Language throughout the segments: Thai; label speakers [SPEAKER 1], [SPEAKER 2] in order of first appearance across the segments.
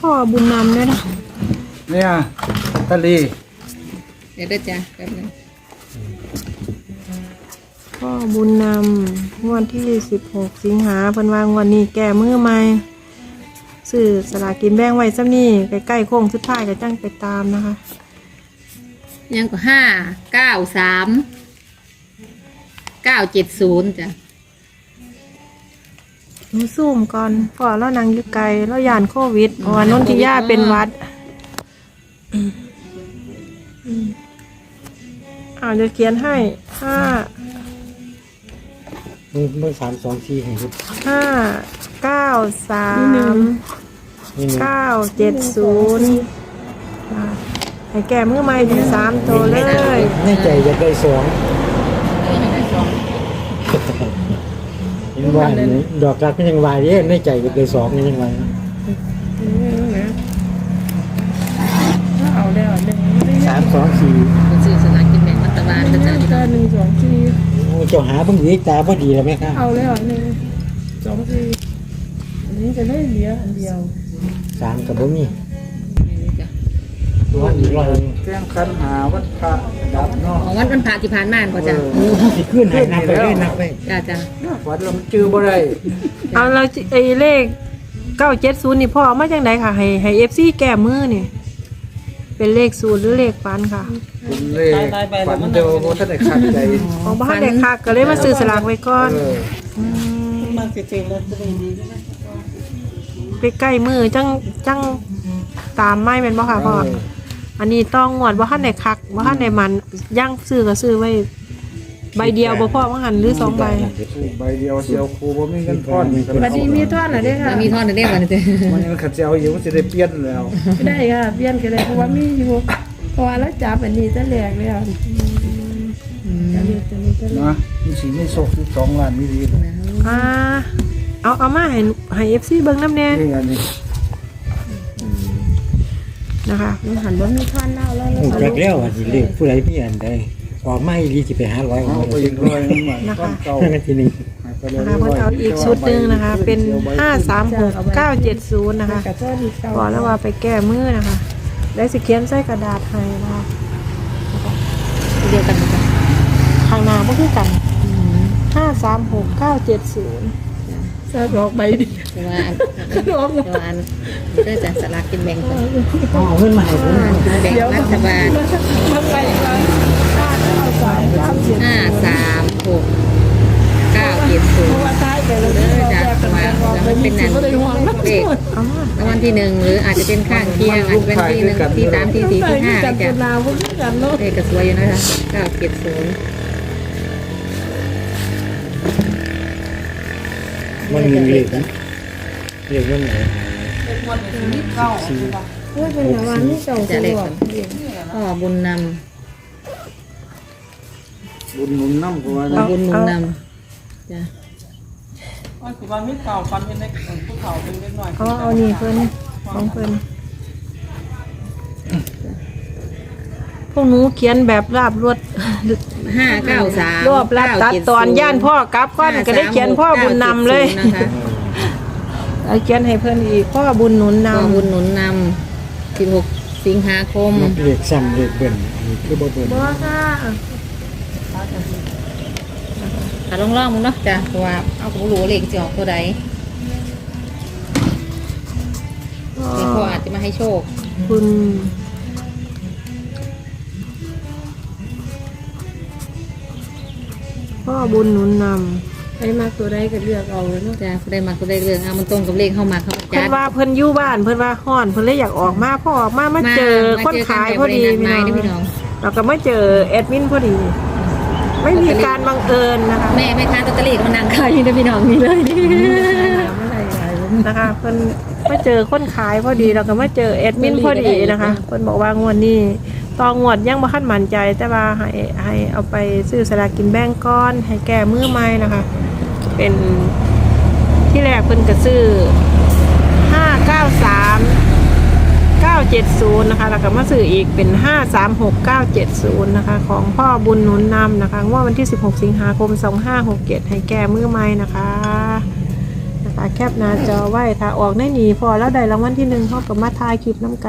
[SPEAKER 1] พ่อบุญนำเนี่ยนะ
[SPEAKER 2] เนี่ยตะลี
[SPEAKER 3] เดี๋ยวเด้อจ้ะแป๊บนึง
[SPEAKER 1] พ่อบุญนำงวดที่16 สิงหาเพิ่นว่างวดนี้แก้มือใหม่ซื้อสลากกินแบ่งไว้ซ้ำนี่ใกล้ๆโค้งสุดท้ายก็จังไปตามนะคะ
[SPEAKER 3] ยังก็593 970จ้ะ
[SPEAKER 1] หนูซูมก่อนพ่อเรานั่งอยู่ไกลเราย่านโควิดเพราะว่านนทิยาเป็นหวัดจะเขียนให้
[SPEAKER 4] เมื่อ324ให้ดู
[SPEAKER 1] 593 970ให้แก้มือใหม่ถึง3 ตัวเลย
[SPEAKER 4] ในใจอยากได้2ยังว่าดอกรักก็ยังวายเด้ในใจอยากได้2ก็ยังวาย
[SPEAKER 1] เอาได้เอาได้
[SPEAKER 4] 324
[SPEAKER 3] คนซื้อสลากกินแบ่งรัฐบาลนะจ๊ะ
[SPEAKER 1] ก็1 2 4
[SPEAKER 4] เจ้าหาเพิ่งอีกตาพอดีแล้วไหมครับ
[SPEAKER 1] เอาแล้ว1 2 4อันนี้จะได้เหลืออันเดียว
[SPEAKER 4] 3กับบ่มี
[SPEAKER 3] ไม่รู้จ้ะ
[SPEAKER 4] ตัวอีกร้อย
[SPEAKER 2] แจ้งคันหาวัดพระดับเนาะ
[SPEAKER 3] ของวันพระที่ผ่านมาบ่จ้ะ
[SPEAKER 4] โอ้สิขึ้นให้นับไปเลยนับไป
[SPEAKER 3] จ้ะ
[SPEAKER 2] วัดลำจือบ่ได้
[SPEAKER 1] เอาเราไอ้เลข970นี่พ่อเอามาจากไหนค่ะให้ FC แก้มือนี่เป็นเลขศูนย์หรือเลขฟันค่ะ
[SPEAKER 2] เป็นเลขฝันเดียวบ่ทันได้คัดใจ
[SPEAKER 1] ของบ้านเด็กค่ะก็เลยมาซื้อสลากไว้ก่อน
[SPEAKER 5] มาเจอแล้วจะดี
[SPEAKER 1] ไปใกล้มือจังตามไม่เป็นบ่ค่ะพ่ออันนี้ต้องงวดว่าท่านไหนคักว่าท่านไหนมันย่างซื้อก็ซื้อไว้ใบเดียวบ่พ่อว่าหันหรือ2 ใบ
[SPEAKER 2] ใบเดียวเสียวครูบ่มีเงินทอน
[SPEAKER 1] บัดนี้มีทอดเหรอเด้
[SPEAKER 3] ๆ
[SPEAKER 1] ค่ะ
[SPEAKER 3] แล้วมีทอดได้บ่เนี่ยจ้ะ
[SPEAKER 2] มันยังขัดเสียวอยู่มันสิได้เปลี่ยนแล้ว
[SPEAKER 5] ได้ค่ะเปลี่ยนกันเลยเพราะว่ามีอยู่เพราะว่าแล้วจับอันนี้จะแหลกเลยอ่ะจะเรียกจะนี้จะ
[SPEAKER 2] นะมันสิมีโชค12ล้านมีดี
[SPEAKER 1] เอามาให้ FC เบิ่งน้ำแน่
[SPEAKER 2] นี่อันนี้
[SPEAKER 1] นะคะ
[SPEAKER 5] มันหันว่ามีท่อนเน่าแล้ว
[SPEAKER 4] โอ้จักแล้วว่าสิเลขผู้ใดมีอันใดออกมาอีหลีสิไปหาร้อย
[SPEAKER 2] เอาไปอีกร้อยนึงใหม่ก้อนเก่า
[SPEAKER 4] นั่นทีนี้
[SPEAKER 1] นะคะเพิ่นเอาอีกชุดหนึงนะคะ เป็น536 970นะคะ
[SPEAKER 5] กระเจ้าดีเก่า
[SPEAKER 1] บอกแล้วว่าไปแก้มือนะคะได้สิเขียนใส่กระดาษให้นะคะ
[SPEAKER 3] เดียวกันจ้ะ
[SPEAKER 1] ข้างหน้าบ่คือกัน536 970
[SPEAKER 5] จะดอกใบดี
[SPEAKER 3] แต่ว่าอันแต่ว่าอันเด้อจ้ะสลากกินแบ่งจ้ะ
[SPEAKER 4] เอาเงินมาให้ผม
[SPEAKER 3] แบ่งรัฐบาล
[SPEAKER 5] มันไปแล้ว
[SPEAKER 3] 536 970
[SPEAKER 5] เพราะว่าท้ายไปแล้ว
[SPEAKER 3] เด้อจ้ะว่าแล้วมันเป็นนั่นเลข
[SPEAKER 1] เอามาร
[SPEAKER 3] างวัลที่1หรืออาจจะเป็นข้างเคียงอาจจะเป็นที่1ที่3ที่4ที่5
[SPEAKER 5] จับ
[SPEAKER 3] จ้ะ
[SPEAKER 5] นาวพวกนี้กันเนาะ
[SPEAKER 3] เลขก็สวยอยู่นะคะ970
[SPEAKER 4] มันมีเลขนะเลขเงินไหน
[SPEAKER 5] เพื่อเป็นวันนี้เก่า
[SPEAKER 3] จะ
[SPEAKER 5] ต
[SPEAKER 3] เลข
[SPEAKER 5] ลอด
[SPEAKER 3] พ่อบุญน
[SPEAKER 2] บุญหนุนน้ำกว่า
[SPEAKER 3] ำพ่อบุญหนุนนำจ้ะ
[SPEAKER 5] ว่าคือว่ามีเก่าฟันเป็นเล็กผู้เฒ่าเป็นเล็กหน่อย
[SPEAKER 1] เอานี่เพิ่นของเพิ่นพวกหนูเขียนแบบราบรวด
[SPEAKER 3] 593
[SPEAKER 1] รวบรัดตัดตอนย่านพ่อกลับก้อนก็ได้เขียนพ่อบุญนำเลย
[SPEAKER 3] นะคะ
[SPEAKER 1] เอาเขียนให้เพิ่นอีกพ่อบุญหนุนน
[SPEAKER 3] พ่อบุญหนุนนำ16 สิงหาคม
[SPEAKER 4] เลขซ้ำเลขเบิ่นนี่คือบ่เบิ่น
[SPEAKER 1] ำบ่ค่ะ
[SPEAKER 3] ลองมึงเนาะจ้ะเพราะว่าเอาของหลวงเลขจะออกตัวใดเลขพ่ออาจจะมาให้โชค
[SPEAKER 1] คุณพ่อบุญหนุนนำ
[SPEAKER 5] ใครมาตัวใดก็เลือกเอาเลยเนาะ
[SPEAKER 3] จ้ะได้มาก็ได้เรื่องเอามันตรงกับเลขเข้ามาเข้ามา
[SPEAKER 1] เพิ่
[SPEAKER 3] จั
[SPEAKER 1] น
[SPEAKER 3] ด
[SPEAKER 1] ว่าเพิ่นอยู่บ้านเพิ่นว่าฮ้อนเพิ่นเลยอยากออกมาพ่อออกมาเจอคนขายพอดี
[SPEAKER 3] พี่
[SPEAKER 1] พี่น้อง
[SPEAKER 3] น้อง
[SPEAKER 1] เราก็มาเจอแอดมินพอดี ไม่มีการบังเอิญนะคะ
[SPEAKER 3] แม่ค้าลอตเตอรี่ก็มานั่งขายอยู่นะพี่น้องนี่เลยนี่
[SPEAKER 5] ไม่ได้ขาย
[SPEAKER 1] นะคะเพิ่นมาเจอคนขายพอดีเราก็มาเจอแอดมินพอดีนะคะเพิ่นบอกว่างวดนี้ต่องวดยังบ่คันมั่นใจ แต่ว่าให้เอาไปซื้อสลากกินแบ่งก้อนให้แก้มือใหม่นะคะ เป็นที่แรกเพิ่นก็ซื้อ593 970นะคะแล้วก็มาซื้ออีกเป็น536 970นะคะของพ่อบุญหนุนนำนะคะงวดวันที่16 สิงหาคม 2567ให้แก้มือใหม่นะคะนะคะแคปหน้าจอไว้ถ้าออกได้หนีพอแล้วได้รางวัลที่1เขาก็มาถ่ายคลิปน้ำกัน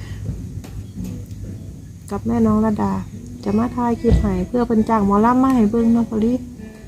[SPEAKER 1] กับแม่น้องระดา จะมาถ่ายคลิปให้เพื่อเป็นจ้างหมอลำมาให้เบิ่งเนาะพอลี่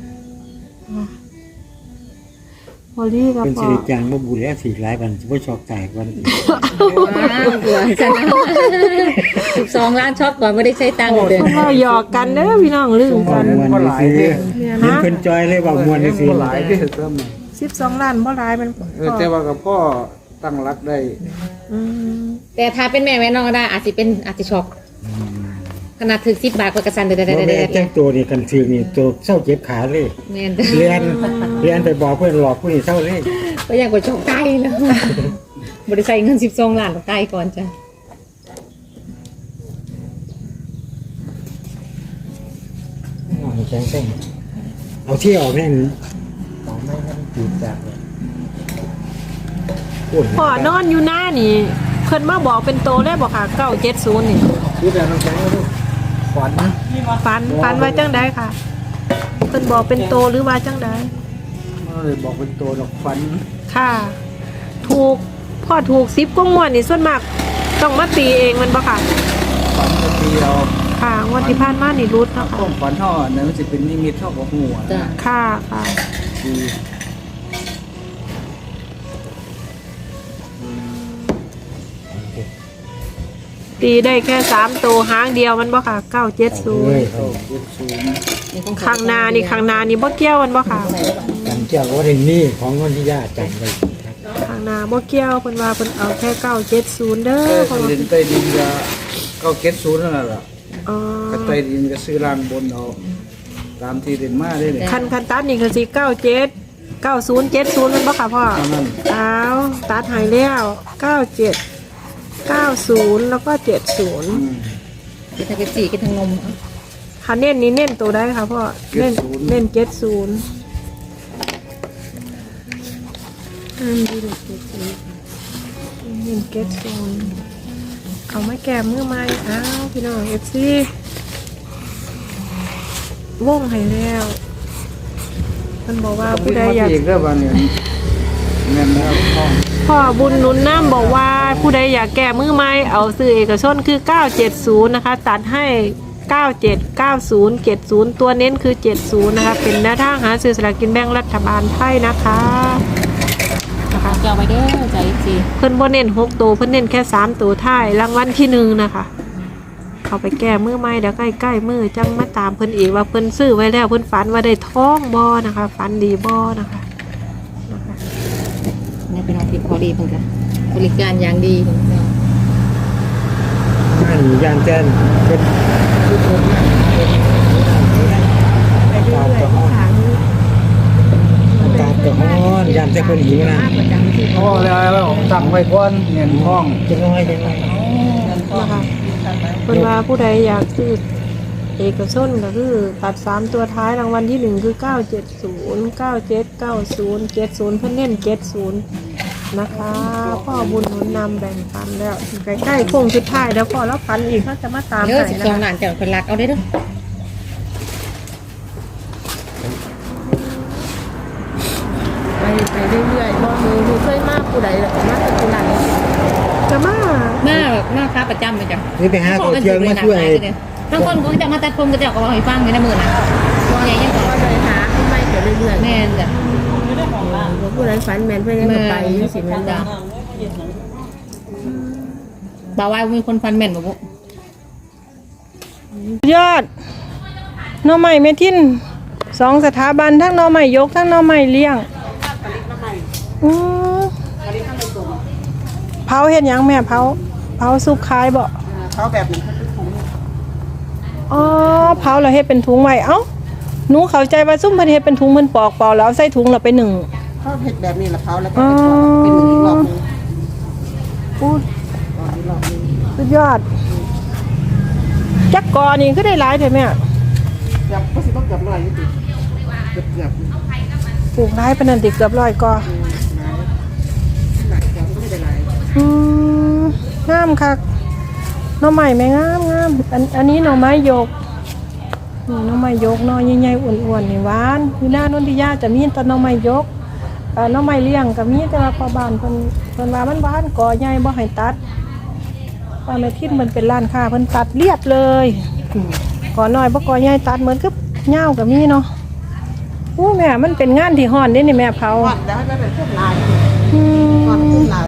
[SPEAKER 1] พอลี่กับ
[SPEAKER 4] เป็น
[SPEAKER 1] พ
[SPEAKER 4] สิ
[SPEAKER 1] อ
[SPEAKER 4] ริจางบ่บุญแล้วสิหลายวันสิบ่ชอกแตกวัน
[SPEAKER 3] ว้าวกลัวจัง12 ล้านช็อตก่อนไม่ได้ใช้ตังค์เด้อ
[SPEAKER 1] พวกเราหยอกกันเด้อพี่น้องลืมกัน
[SPEAKER 4] ม่วนนี่สิเห็นเพิ่นจอยเลยว่าม่วนนี่สิ
[SPEAKER 2] บ่หลายเด้อเติม
[SPEAKER 1] 12 ล้านบ่หลายมัน
[SPEAKER 2] แต่ว่ากับพ่อตั้งรักได้
[SPEAKER 1] อืม
[SPEAKER 3] แต่ถ้าเป็นแม่น้องก็ได้อาจจะช็อกขนาดถึง10 บาทกว่ากระสันเด้
[SPEAKER 4] บ่แม่นแต่งตัวนี่กันถือนี่ตัวเศร้าเจ็บขาเลย
[SPEAKER 3] แม่น
[SPEAKER 4] เรียนไปบอกเพื่อนหลอกผู้นี้เศร้าเลย
[SPEAKER 3] ก็ยังกว่าช็อกใกล้แล้วบ่ได้ใช้เงิน12 ล้านใกล้ก่อนจ้ะ
[SPEAKER 4] แข็งเส้นเอาที่ออกแน่นเอาไม่ให้มันจืดจากเลยพูด
[SPEAKER 1] พ่อนอนอยู่หน้านี่เพิ่นมาบอกเป็นโตได้บอกค่ะ970นี่
[SPEAKER 2] พูดแต่น้ำแข็งก็ดูฝัน
[SPEAKER 1] ฝันว่าจังไดค่ะเพิ่นบอกเป็นโตหรือว่าจังได
[SPEAKER 2] มันเลยบอกเป็นตัวดอกฝัน
[SPEAKER 1] ค่ะ ถูกพ่อถูก10กว่างวดนี่ส่วนมากต้องมาตีเองมันบ่ค่ะ
[SPEAKER 2] ฝันจะเดียว
[SPEAKER 1] ค่ะงวดที่ผ่านมานี่รุดเนาะ
[SPEAKER 2] ข้
[SPEAKER 1] ค่ะ
[SPEAKER 2] องฝันห่อนั่นมันจะเป็นนิมิตเท่ากับหัว
[SPEAKER 3] จ้ะ
[SPEAKER 1] ค่ะค่ะ
[SPEAKER 2] คือ
[SPEAKER 1] ตีได้แค่3ตัวหางเดียวมันบ่ค่ะ970
[SPEAKER 2] เข้าเจ็ดศูนย์
[SPEAKER 1] ข้างหน้านี่บ่เกี่ยวมันบ่ค่ะ
[SPEAKER 4] กันเจ้าว่าเรื่องนี้ของนนทิยาจังเลย
[SPEAKER 1] ข้างหน้าบ่เกี่ยวเพิ่นว่าเพิ่นเอาแค่970เด้อ
[SPEAKER 2] เออ
[SPEAKER 1] เพราะว่า
[SPEAKER 2] เดินใต้ดินก็เข้าเจ็ดศูนย์นั่นแหละ
[SPEAKER 1] อ๋อ
[SPEAKER 2] ก็ใต้ดินก็ซื้อรางบนเอาตามที่เดินมาได้เลย
[SPEAKER 1] คันตัดนี่คือสิ97 9070มันบ่ค่ะพ่อ
[SPEAKER 2] เท่านั้น
[SPEAKER 1] เอาตัดใหายแล้ว97 90แล้วก็70
[SPEAKER 3] กินทั้งเป๊ปซี่กินทั้งนม
[SPEAKER 1] ค่ะเน้นนี่เน้นตัวได้ค่ะพ่อเน้นเน้น70ดีเลยเน้น70เอามาแก้มือใหม่อ้าวพี่น้อง FC วงให้แล้วมันบอกว่าผู้ใดอยาก
[SPEAKER 2] อีกเรื่องวันนี้แม่นแล้วห้อง
[SPEAKER 1] พ่อบุญหนุนน้ำบอกว่าผู้ใดอยากแก้มือไม้เอาซื้อเอกชนคือ970นะคะตัดให้97 90 70ตัวเน้นคือ70นะคะเป็นแนวทางหาซื้อสลากกินแบ่งรัฐบาลไทยนะคะนะคะ
[SPEAKER 3] จะเอาไว้เด้อใจสิ
[SPEAKER 1] เพิ่นบ่เน้น6ตัวเพิ่นเน้นแค่3ตัวท้ายรางวัลที่1นะคะเขาไปแก้มือไม้เดี๋ยวใกล้ๆมือจังมาตามเพิ่นอีกว่าเพิ่นซื้อไว้แล้วเพิ่นฝันว่าได้ท้องบ่นะคะฝันดีบ่นะคะ
[SPEAKER 3] นี่เป็นอาทิตย์พอดีเพิ่นก็บริการอย่างดีเพิ่นก็
[SPEAKER 4] นั่นยานแจ้นเป็นทุกคนนะตามกระห้อนตามกระห้อนยานแจ้นคนหิวนะ
[SPEAKER 2] พ่อแล้วผมตั้งไว้ก่อนเงินห้อง
[SPEAKER 4] จะน้อยจะน้อย
[SPEAKER 1] นะคะเพิ่นว่าผู้ใดอยากซื้อเอกชนก็คือตัด3ตัวท้ายรางวัลที่1คือ970 97 90 70เพิ่นเน้น70นะคะพ่อบุญหนุนนำแบ่งปันแล้วใกล้ๆโค้งสุดท้ายแล้วพอแล้วปันอีกเขาจะมาตาม
[SPEAKER 3] เด้อ
[SPEAKER 1] ให้นะ
[SPEAKER 3] 12
[SPEAKER 1] คะ
[SPEAKER 3] ล้านจะเป็นหลักเอาได้เด้อ
[SPEAKER 5] ไปเรื่อยๆบ่มีเคยมาผู้ใดแล้วก็มาแต่ผู้นั้น
[SPEAKER 1] จะมา
[SPEAKER 3] หน้าค้าประจำเลยจ้ะ
[SPEAKER 4] นี่ไปหาตัวเที่ยวมาช่วย
[SPEAKER 3] ทั้งคนก็จะมาตัดผมก็จะเอาให้ฟังในมือนะตัวใหญ่ยัง
[SPEAKER 5] ก็เลยหาให้ไปเรื่อยๆ
[SPEAKER 3] แม่นจ้ะ
[SPEAKER 5] บ่ผู้ใดฝันแม่นเพิ่นยังก็ไปจังซี่แม่นบ่
[SPEAKER 3] บ่าวว่ามีคนฟันแม่นบ่บุ
[SPEAKER 1] ยอดหน่อไม้เมทิน2สถาบันทั้งหน่อไม้ยกทั้งหน่อไม้เลี้ยงเผาเฮ็ดหยังแม่เผาสุกขายบ่
[SPEAKER 5] เขาแบบนี้
[SPEAKER 1] อ๋อเผาแล้วเฮ็ดเป็นถุงไว้เอ้าหนูเข้าใจว่าซุ่มเพิ่นเฮ็ดเป็นถุงเพิ่นปอกแล้วเอาใส่ถุงแล้วไปนึ่ง
[SPEAKER 5] เขาเฮ็ดแบบนี้ละเขาแล้วก็
[SPEAKER 1] อ๋อ
[SPEAKER 5] เป็นอีกรอบนึง
[SPEAKER 1] พูด
[SPEAKER 5] อีกรอบนึง
[SPEAKER 1] สุดยอดจักกอนี่ก็ได้หลายแท้แม่
[SPEAKER 5] เกือบบ่สิบ่เกือบ100อยู่ติเกือบ
[SPEAKER 1] ปลูกหลายปานนั้นติเกือบ100กอ
[SPEAKER 5] หลายเกือบไม่ได้หลาย
[SPEAKER 1] งามคักหน่อไม้แม่งามอันนี้หน่อไม้ยกนี่หน่อไม้ยกหน่อใหญ่ๆอ้วนๆนี่หวานอยู่หน้านนทิยาจะมีแต่หน่อไม้ยกน้องไม้เลี้ยงก็มีแต่ว่าพอบ้านเพิ่นว่ามันบ้านก่อใหญ่บ่ให้ตัดป้าแม่ทินมันเป็นร้านค้าเพิ่นตัดเรียบเลยก่อน้อยบ่ก่อใหญ่ตัดเหมือนกับเหย้าก็มีเนาะโอ้แม่มันเป็นงานที่ฮ้อนเด้นี่แม่เผา
[SPEAKER 5] วัดแล้วให้มันเป็นพวกลาย
[SPEAKER 1] อืม
[SPEAKER 5] วัดพวกลาย